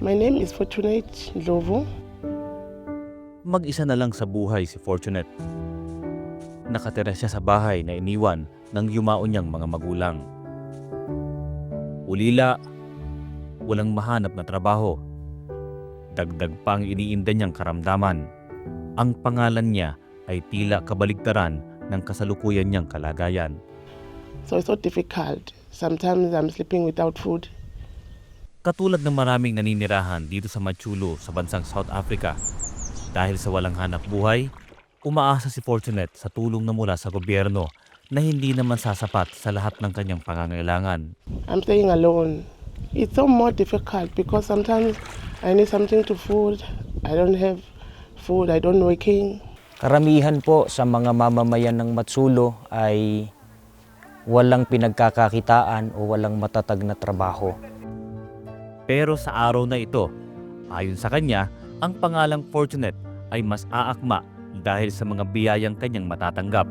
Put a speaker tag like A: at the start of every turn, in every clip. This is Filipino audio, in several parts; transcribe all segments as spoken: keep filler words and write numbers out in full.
A: My name is Fortunate Ndlovu.
B: Mag-isa na lang sa buhay si Fortunate. Nakatira siya sa bahay na iniwan ng yumao niyang mga magulang. Ulila, walang mahanap na trabaho. Dagdag pa ang iniinda niyang karamdaman. Ang pangalan niya ay tila kabaligtaran ng kasalukuyan niyang kalagayan.
A: So it's so difficult. Sometimes I'm sleeping without food.
B: Katulad ng maraming naninirahan dito sa Machulo sa bansang South Africa, dahil sa walang hanap buhay, umaasa si Fortunate sa tulong na mula sa gobyerno na hindi naman sasapat sa lahat ng kanyang pangangailangan.
A: I'm staying alone. It's so more difficult because sometimes I need something to food. I don't have food. I don't working.
C: Karamihan po sa mga mamamayan ng Matsulo ay walang pinagkakakitaan o walang matatag na trabaho.
B: Pero sa araw na ito, ayon sa kanya, ang pangalang Fortunate ay mas aakma dahil sa mga biyayang kanyang matatanggap.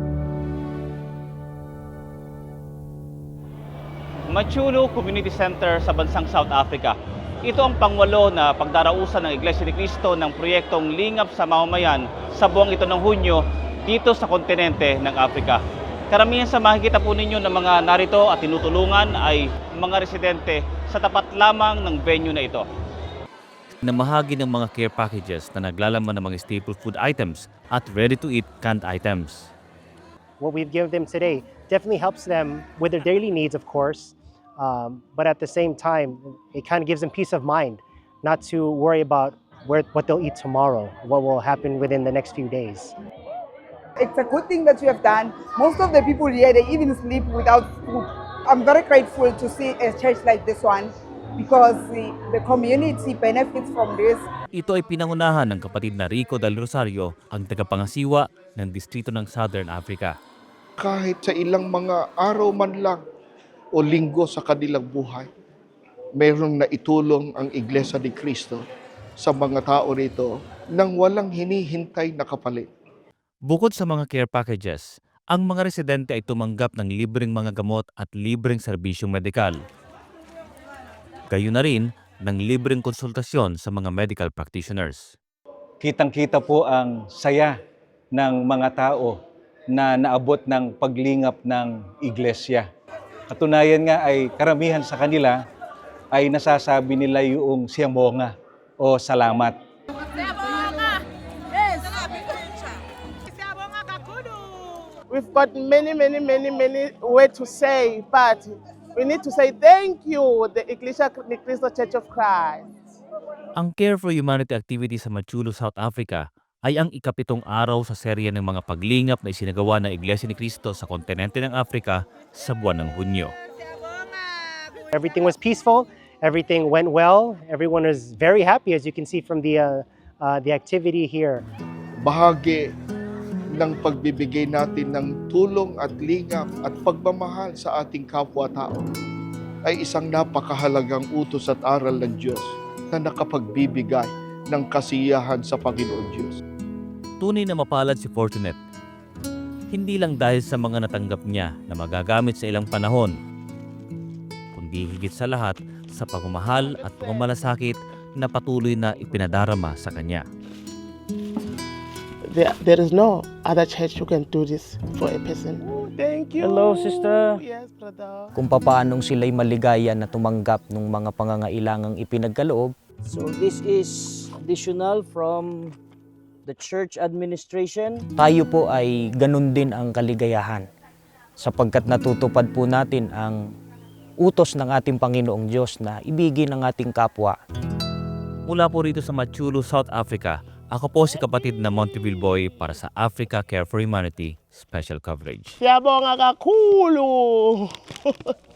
D: Machulo Community Center sa bansang South Africa. Ito ang pangwalo na pagdarausan ng Iglesia ni Cristo ng proyektong Lingap sa Mamamayan sa buwang ito ng Hunyo dito sa kontinente ng Afrika. Karamihan sa makikita po ninyo ng mga narito at tinutulungan ay mga residente sa tapat lamang ng venue na ito.
B: Namahagi ng mga care packages na naglalaman ng mga staple food items at ready-to-eat canned items.
E: What we've given them today definitely helps them with their daily needs, of course, um, but at the same time, it kind of gives them peace of mind, not to worry about where, what they'll eat tomorrow, what will happen within the next few days.
F: It's a good thing that you have done. Most of the people here, they even sleep without food. I'm very grateful to see a church like this one because the, the community benefits from this.
B: Ito ay pinangunahan ng kapatid na Rico Del Rosario, ang tagapangasiwa ng distrito ng Southern Africa.
G: Kahit sa ilang mga araw man lang o linggo sa kanilang buhay, mayroong naitulong ang Iglesia ni Cristo sa mga tao rito nang walang hinihintay na kapalit.
B: Bukod sa mga care packages, ang mga residente ay tumanggap ng libreng mga gamot at libreng serbisyong medikal. Gayon na rin ng libreng konsultasyon sa mga medical practitioners.
H: Kitang-kita po ang saya ng mga tao na naabot ng paglingap ng iglesia. Katunayan nga ay karamihan sa kanila ay nasasabi nila yung siyamonga o salamat.
A: We've got many, many, many, many ways to say, but we need to say thank you, the Iglesia ni Cristo Church of Christ.
B: Ang Care for Humanity activity sa Machulo, South Africa ay ang ikapitong araw sa serye ng mga paglingap na isinagawa ng Iglesia ni Cristo sa kontinente ng Afrika sa buwan ng Hunyo.
E: Everything was peaceful, everything went well, everyone was very happy, as you can see from the, uh, uh, the activity here.
G: Bahagi ng pagbibigay natin ng tulong at lingap at pagmamahal sa ating kapwa-tao ay isang napakahalagang utos at aral ng Diyos na nakapagbibigay ng kasiyahan sa Panginoon Diyos.
B: Tunay na mapalad si Fortunate, hindi lang dahil sa mga natanggap niya na magagamit sa ilang panahon, kundi higit sa lahat sa pagmamahal at pagmamalasakit na patuloy na ipinadarama sa kanya.
A: There, there is no other church who can do this for a person. Thank you.
C: Hello, sister.
A: Yes, brother.
C: Kung papaanong sila'y maligaya na tumanggap ng mga pangangailangang ipinagkaloob.
I: So this is additional from the church administration.
C: Tayo po ay ganun din ang kaligayahan sapagkat natutupad po natin ang utos ng ating Panginoong Diyos na ibigin ang ating kapwa.
B: Mula po rito sa Machulo, South Africa, ako po si kapatid na Monteville Boy para sa Africa Care for Humanity Special Coverage.
A: Siyabonga kakhulu.